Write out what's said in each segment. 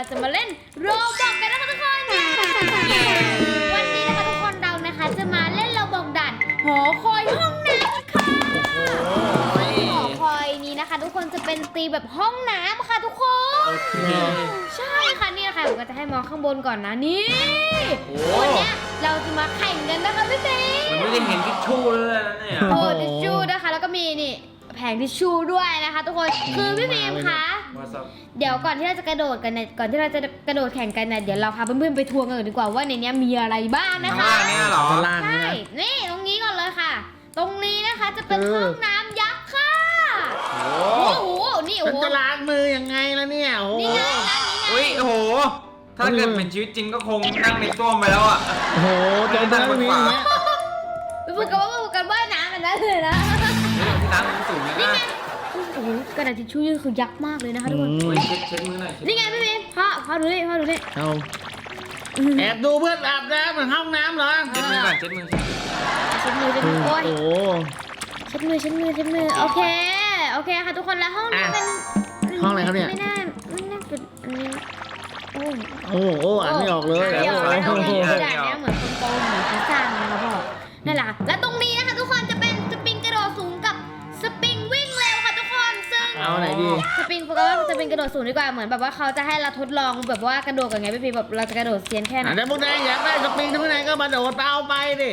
จะมาเล่นโรบอกกันนะคะทุกคนวันนี้นะคะทุกคนเรานะคะจะมาเล่นโรบอกด่านหอคอยห้องน้ำค่ะหอคอยนี้นะคะทุกคนจะเป็นตีแบบห้องน้ำค่ะทุกคนใช่ค่ะนี่นะคะผมก็จะให้มองข้างบนก่อนนะนี่วันนี้เราจะมาแข่งกันนะคะพี่ซีมันไม่ได้เห็นทิชชู่เลยนะเนี่ยโอ้ทิชชู่นะคะแล้วก็มีนี่แผงทิชชู่ด้วยนะคะทุกคนคือพี่บีมคะเดี๋ยวก่อนที่เราจะกระโดดกันเนี่ยก่อนที่เราจะกระโดดแข่งกันเนี่ยเดี๋ยวเราพาเพื่อนๆไปทัวร์กันก่อนดีกว่าว่าในนี้มีอะไรบ้างนะคะเนี่ยเหรอใช่นี่ตรงนี้ก่อนเลยค่ะตรงนี้นะคะจะเป็นห้องน้ำยักษ์ค่ะโอ้โหนี่โอ้โหจะล้างมือยังไงล่ะเนี่ยโอ้โหนี่ไงนั่นนี่ไงอุ้ยโอ้โหถ้าเกิดเป็นชีวิตจริงก็คงนั่งในต้วมไปแล้วอ่ะโอ้โหตรงนั้นมีอย่างเงี้ยไปพูดกันว่ายน้ำกันได้เลยนะที่น้ำมันสูงนะโอ้โหกระดาษทิชชู่นี่คือยักษ์มากเลยนะคะทุกคนเช็ดมือหน่อยนี่ไงพี่บีมพ่อดูนี่เอาแอบดูเพื่อนอาบน้ำเหมือนห้องน้ำเหรอเช็ดมือก่อนเช็ดมือโอ้ยเช็ดมือโอเคค่ะทุกคนแล้วห้องนี้เป็นห้องอะไรครับเนี่ยไม่น่าเป็นอันนี้โอ้โหอ่านไม่ออกเลยด่านนี้เหมือนคนโตเหมือนเขาสร้างนะคะพ่อนั่นแหละและตรงนี้นะคะทุกคนจะเป็นสปริงกระโดดสูงกับสปริงวิ่งเร็วค่ะทุกคนซึ่งเอาไหนดีสปริงเพราะว่าสปริงกระโดดสูงดีกว่าเหมือนแบบว่าเขาจะให้เราทดลองแบบว่ากระโดดกันไงพี่แบบเราจะกระโดดเซียนแค่ไหนแต่พวกนายอยากได้สปริงทุกนายก็มาโดดเอาไปดิ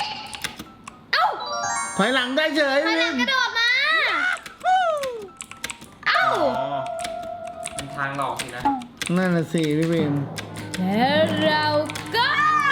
ถอยหลังได้เฉยถอยหลังกระโดดมาเป็นทางหลอกสินะนั่นน่ะสิพี่บิมแล้วเราก็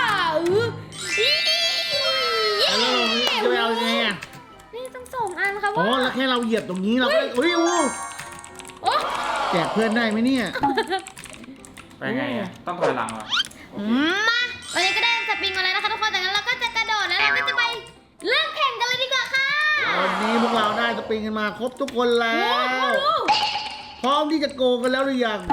จะไปเอาไงอ่ะนี่ต้องส่งอันค่ะว่าอ๋อแล้วแค่เราเหยียบตรงนี้เราก็อุ้ยแจกเพื่อนได้ไหมเนี่ยไปไงอ่ะต้องถอยหลังเหรอมาวันนี้ก็ได้สปริงมาแล้วนะคะทุกคนจากนั้นเราก็จะกระโดดแล้วเราก็จะไปเริ่มแข่งกันเลยดีกว่าค่ะวันนี้พวกเราได้สปริงกันมาครบทุกคนแล้วพร้อมที่จะโกงกันแล้วหรือยัง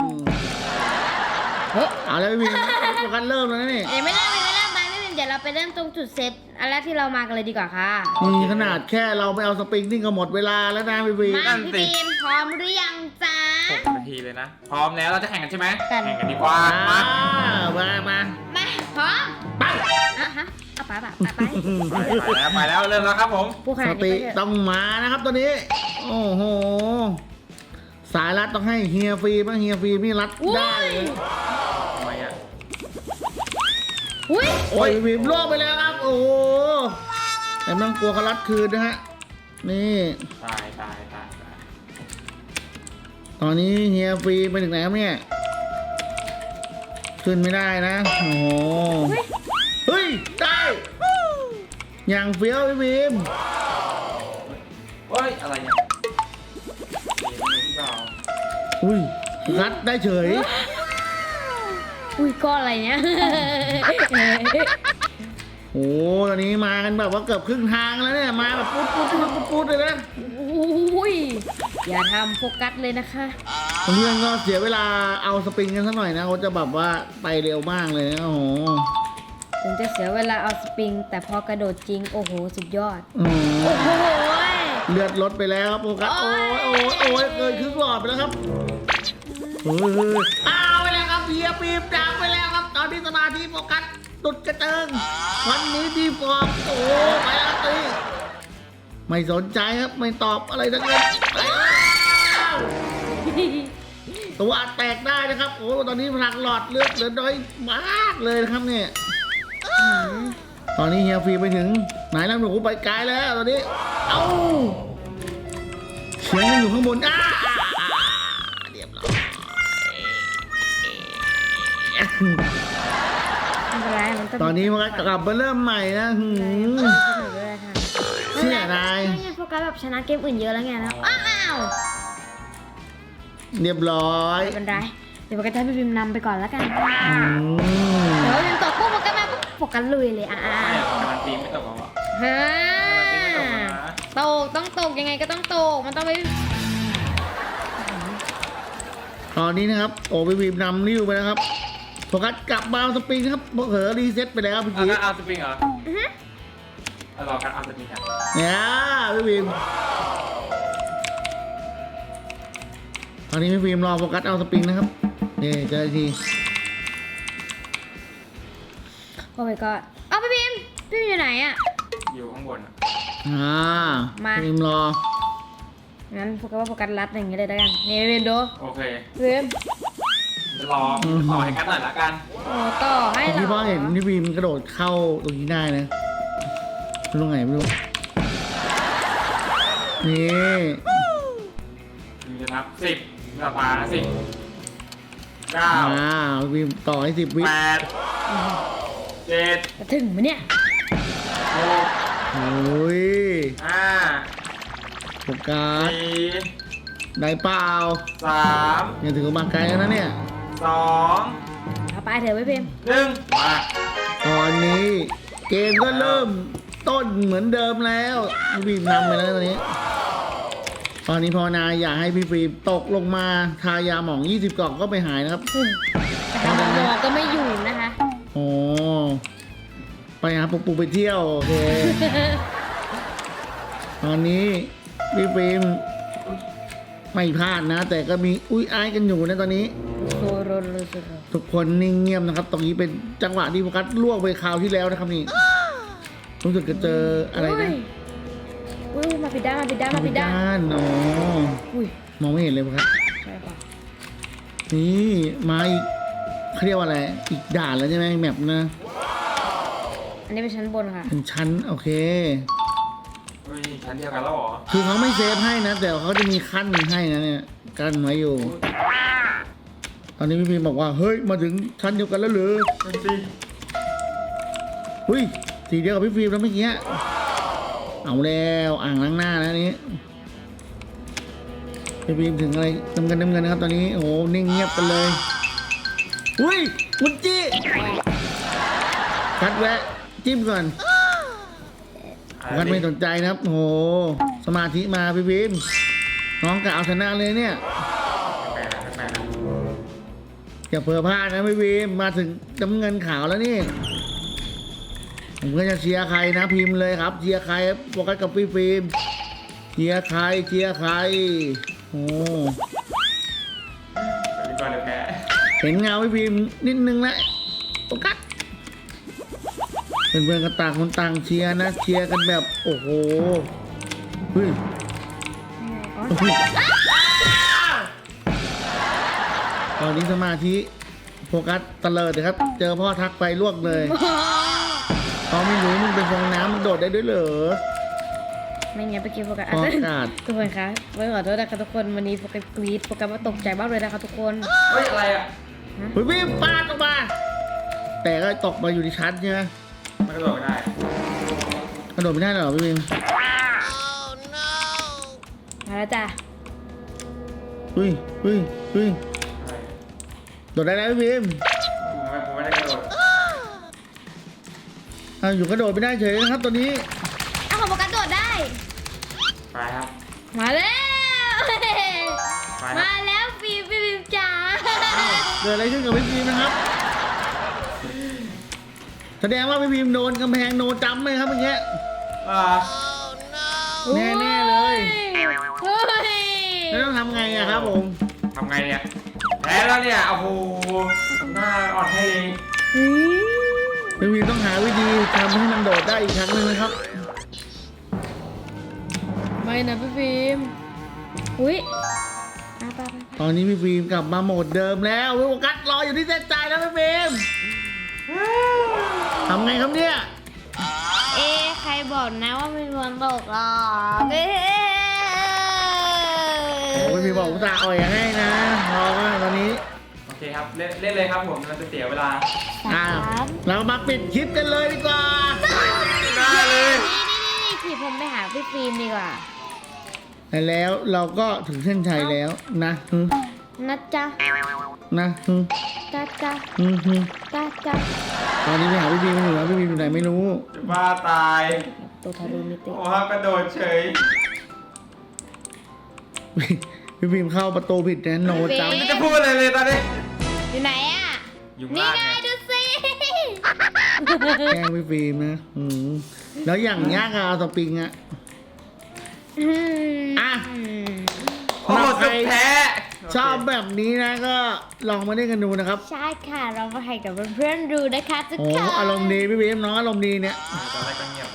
เอาแล้วพี่บิมกันเริ่มแล้วนี่ไม่เริ่มไปพี่บิมเดี๋ยวเราไปเริ่มตรงจุดเซตอันแรกที่เรามากันเลยดีกว่าค่ะนี่ขนาดแค่เราไปเอาสปริงนี่ก็หมดเวลาแล้วนะพี่บิมมาพี่บิมพร้อมหรือยังจ๊ะ 6 นาทีเลยนะพร้อมแล้วเราจะแข่งกันใช่ไหมแข่งกันดีกว่ามาพร้อมไปฮะเอาไปแล้วเริ่มแล้วครับผมสติต้องมานะครับตัวนี้โอ้โหสายรัดต้องให้เฮียฟรีบ้างเฮียฟรีนี่รัดได้ทำไมอ่ะโอ้ยวิมล่วงไปแล้วครับโอ้แต่ไม่ต้องกลัวเขารัดคืนนะฮะนี่ตายตอนนี้เฮียฟรีไปถึงไหนครับเนี่ยขึ้นไม่ได้นะโอ้เฮ้ยได้อย่างเฟี้ยวพี่วิมเฮ้ยอะไรเนี่ยอุ้ยรัดได้เฉยก้อนอะไรเนี่ยโอ้ตอนนี้มากันแบบว่าเกือบครึ่งทางแล้วเนี่ยมาแบบปุ๊ดเลยนะอย่าทำโฟกัสเลยนะคะเพื่อนก็เสียเวลาเอาสปริงกันสักหน่อยนะเขาจะแบบว่าไปเร็วมากเลยนะโอ้โหถึงจะเสียเวลาเอาสปริงแต่พอกระโดดจริงโอ้โหสุดยอดโอ้โหเลือดลดไปแล้วครับโฟกัสโอ้ยเกินครึ่งหลอดไปแล้วครับเอาไปแล้วครับเฮียปีบดังไปแล้วครับตอนนี้สมาธิโฟกัสตุดกระเจิงวันนี้ดีฟอร์มโอ้ไปแล้วตีไม่สนใจครับไม่ตอบอะไรทั้งนั้นตัวแตกได้นะครับโอ้ตอนนี้พลังหลอดเลือดเหลือน้อยมากเลยนะครับเนี่ยตอนนี้เฮียฟรีไปถึงไหนแล้วหนูไปไกลแล้วตอนนี้เอ้าเสียงอยู่ข้างบนเรียบร้อยตอนนี้มันกลับมาเริ่มใหม่นะเชื่อนายโฟกัสแบบชนะเกมอื่นเยอะแล้วไงนะเรียบร้อยไม่เป็นไรเดี๋ยวโฟกัสให้พี่บิมนำไปก่อนแล้วกันเดี๋ยวบิมตกปุ๊บโฟกัสมาปุ๊บโฟกัสลุยเลยการันตีไม่ตกหรอต้องตกยังไงก็ต้องตกมันต้องไปตอนนี้นะครับโอ้พี่บิมนำริ้วไปแล้วครับโฟกัสกลับมาเอาสปริงครับเผลอรีเซ็ตไปแล้วพี่กิ๊กเอาสปริงเหรอรอการเอาสปริงเนี่ยพี่บิมตอนนี้พี่บิมรอโฟกัสเอาสปริงนะครับนี่เจออีกทีโอ้ my god เอาพี่พิมอยู่ไหนอ่ะอยู่ข้างบนอะมาพิมพ์รองั้นโฟกัสว่าโฟกัสรัดอย่างงี้เลยแล้วกันนี่พี่พิมดูโอเคพี่พิมจะรอต่อให้กันหน่อยละกันโอ้ต่อให้เหรอพี่พ่อเห็นพี่พิมพ์กระโดดเข้าตรงนี้ได้นะไม่รู้ไงไม่รู้นี่ถึงจะนับ10หน้าตา10 9 พี่พิมพ์ต่อให้10 วิ 8 7 จะถึงไหมเนี่ยโอ้ย 6 5 โฟกัส 4 ได้เปล่า 3 ยังถือว่ามาไกลแล้วนะเนี่ย 2 เอาไปเถอะพี่พิม 1 มาตอนนี้เกมก็เริ่มต้นเหมือนเดิมแล้วพี่ฟิล์มนำไปแล้วตอนนี้ภาวนาอยากให้พี่ฟิล์มตกลงมาทายาหมอง 20 กล่องก็ไปหายนะครับแต่ทางหมอก็ไม่อยู่นะคะโอ้ไปหาปุกปุกไปเที่ยวโอเคตอนนี้พี่ฟิล์มไม่พลาดนะ แต่ก็มีอุ้ยอ้ายกันอยู่นะตอนนี้โซโรโรโซโรทุกคนนิ่งเงียบนะครับ ตรงนี้เป็นจังหวะที่โฟกัสลวกไปคราวที่แล้วนะครับนี่รู้สึกจะเจออะไรนะอุ้ยมาผิดด้านมาผิดด้านมาผิดด้านอ๋ออุ้ยมองไม่เห็นเลยครับใช่ปะนี่มาอีกเขาเรียกว่าอะไรอีกด่านแล้วใช่ไหมแมปนะอันนี้เป็นชั้นบนค่ะเป็นชั้นโอเคเฮ้ยชั้นเดียวกันแล้วเหรอคือเขาไม่เซฟให้นะ แต่เขาจะมีขั้นให้นะเนี่ยกั้นไว้อยู่ ตอนนี้พี่พีบอกว่าเฮ้ยมาถึงชั้นเดียวกันแล้วเหรอเป็นสิหุ้ยสีเดียวกับพี่ฟิล์มแล้วเมื่อกี้เอาแล้วอ่างล้างหน้าแล้วนี้พี่ฟิล์มถึงอะไรน้ำเงินนะครับ ตอนนี้โอ้โหนิ่งเงียบกันเลยหุ้ยมุนจี้คัดแวะจิ้มก่อนคัดไม่สนใจนะครับโอ้โหสมาธิมาพี่ฟิล์มน้องกะเอาชนะเลยเนี่ยแปลกอย่าเผลอพลาดนะพี่ฟิล์มมาถึงน้ำเงินขาวแล้วนี่ผมก็จะเชียร์ใครนะพิมพ์เลยครับเชียร์ใครโฟกัสกับพี่ฟิล์มเชียร์ใครโอ้เป็นก่อนเลยแพ้เห็นเงาพี่พิมพ์นิดนึงแล้วโฟกัสเพื่อนๆก็ต่างคนต่างเชียร์นะเชียร์กันแบบโอ้โหเฮ้ยอ๋อเฮ้ยตอนนี้สมาธิโฟกัสตะเลิดเลยครับ เจอพ่อทักไปลวกเลยเขาไม่รู้มึงเป็นฟองน้ำมันโดดได้ด้วยเหรอไม่งั้นไปกินโฟกัสพ่อกาดทุกคนคะไม่ขอโทษนะคะทุกคนวันนี้โฟกัสกรี๊ดโฟกัสว่าตกใจมากเลยนะคะทุกคนเฮ้ยอะไรอ่ะเฮ้ยพี่ปาดออกมา แต่ก็ตกมาอยู่ในชั้นใช่ไหมมันกระโดดไม่ได้กระโดดไม่ได้เหรอพี่พิมมาแล้วจ้ะเฮ้ยอะไรโดดได้แล้วพี่พิมผมไม่ได้กระโดดอยู่กระโดดไม่ได้เฉยนะครับตอนนี้อ้าวของโฟกัสโดดได้ไปครับมาแล้วไปคมารับแล้วฟิล์มจ๋าเกิดอะไรขึ้นกับพี่พิมนะครับ แสดงว่าพี่พิมโดนกำแพงโนจำไหมครับเมื่อกี้อ่าแน่ๆเลยเฮ้ยแล้วต้องทำไงอะครับผมทำไงเนี่ยแพ้แล้วเนี่ยโอ้โหหน้าอ่อนให้เองพี่พิมต้องหาวิธีทำให้มันโดดได้อีกครั้งหนึงนะครับไม่นะพี่ฟิล์มอุ้ยไปตอนนี้พี่พิมกลับมาโหมดเดิมแล้วโฟกัสรออยู่ที่เส้นใจแล้วพี่พิมทำไงครับเนี่ยเอ๊ะใครบอกนะว่ามีวันตกหรอเอ๊ะโอ้พี่พิมบอกอุตส่าห์อ่อยให้นะรอว่าตอนนี้โอเคครับเล่นเลยครับผมเราจะเสียเวลาเรามาปิดคลิปกันเลยดีกว่าได้เลยนี่ขี่ผมไปหาพี่ฟิล์มดีกว่าแล้วเราก็ถึงเส้นชัยแล้วนะฮึนะจ๊ะนะฮึจ๊ะจ๊ะฮึฮึจ๊ะจ๊ะตอนนี้ไปหาพี่พิมอยู่แล้วพี่พิมอยู่ไหนไม่รู้จะบ้าตายตัวทารุณมิติโอ้ครับกระโดดเฉยพี่พิมเข้าประตูผิดนะโนจไม่จะพูดอะไรเลยตอนนี้อยู่ไหนอ่ะอยู่นี่ล่างไงไงดูสิำแกล้งพี่พิมนะแล้วอย่างยากอะเอาสปริงอะ อ่ะโอ้โหสุดแท้โอชอบแบบนี้นะก็ลองมาเล่นกันดูนะครับใช่ค่ะเรามาให้กับเพื่อนๆดูนะคะทุกโอ้คนอารมณ์ดีพี่บีมน้องอารมณ์ดีเนี่ยตอนแรกก็เงียบเลย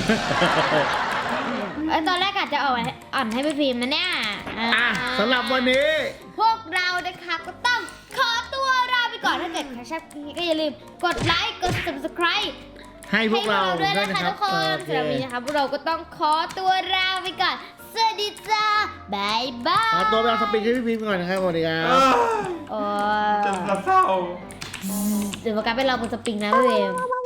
ตอนแรกอาจจะอ่อนให้พี่พิมพ์นะเนี่ยสำหรับวันนี้พวกเรานะคะก็ต้องขอตัวลาไปก่อนถ้าเกิดใครชอบคลิปนี้ก็อย่าลืมกดไลค์กด subscribe ให้พวกเราด้วยด้วยนะนะคะ ครับทุกคนสำหรับวันนี้นะคะพวกเราก็ต้องขอตัวลาไปก่อนสวัสดีจ้าบายบายขอตัวไปเอาสปินให้พี่บีมก่อนนะครับสวัสดีครับโอ้จะเศร้าเดี๋ยวโฟกัสไปรอบนสปริงนะพี่เวม